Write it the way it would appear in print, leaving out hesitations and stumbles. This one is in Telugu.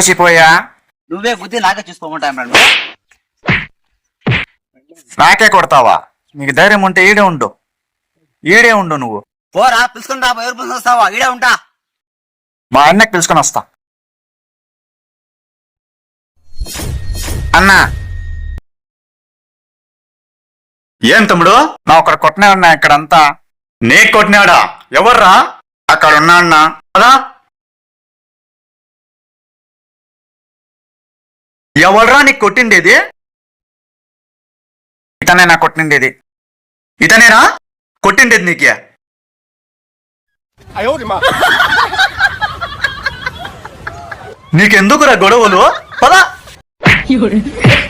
చూసిపోయా నువ్వే గుద్ది నాకే చూసుకోమంటా. నాకే కొడతావా? నీకు ధైర్యం ఉంటే ఈడే ఉండు నువ్వు. పోరా పిలుచుకుని రా, ఎవరు పిలుచుకొని వస్తావా? ఈడే ఉంటా. మా అన్నకి పిలుచుకొని వస్తా. అన్నా ఏం తమ్ముడు? నా ఒకరు కొట్టనే ఉన్నా ఇక్కడంతా. నే కొట్టినాడా? ఎవర్రా? అక్కడ ఉన్నా అన్నా. అదా ఎవడ్రా నీకు కొట్టిండేది? ఇతనే నా కొట్టిండేది. ఇతనేనా కొట్టిండేది నీకే? నీకెందుకురా గొడవలు? పదా